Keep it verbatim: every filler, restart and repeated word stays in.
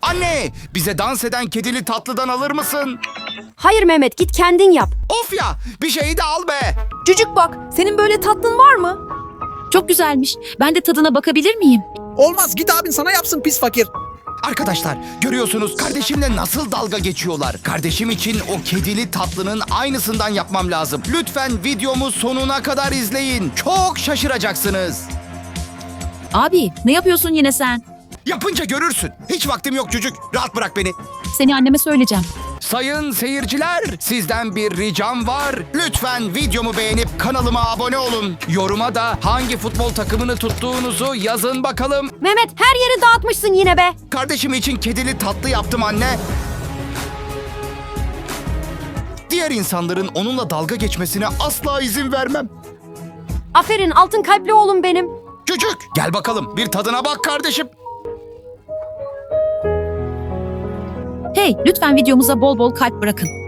Anne, bize dans eden kedili tatlıdan alır mısın? Hayır Mehmet, git kendin yap. Of ya, bir şeyi de al be. Cücük bak, senin böyle tatlın var mı? Çok güzelmiş. Ben de tadına bakabilir miyim? Olmaz, git abin sana yapsın pis fakir. Arkadaşlar, görüyorsunuz kardeşimle nasıl dalga geçiyorlar. Kardeşim için o kedili tatlının aynısından yapmam lazım. Lütfen videomu sonuna kadar izleyin. Çok şaşıracaksınız. Abi, ne yapıyorsun yine sen? Yapınca görürsün. Hiç vaktim yok çocuk. Rahat bırak beni. Seni anneme söyleyeceğim. Sayın seyirciler, sizden bir ricam var. Lütfen videomu beğenip kanalıma abone olun. Yoruma da hangi futbol takımını tuttuğunuzu yazın bakalım. Mehmet, her yeri dağıtmışsın yine be. Kardeşim için kedili tatlı yaptım anne. Diğer insanların onunla dalga geçmesine asla izin vermem. Aferin, altın kalpli oğlum benim. Çocuk, gel bakalım bir tadına bak kardeşim. Hey, lütfen videomuza bol bol kalp bırakın.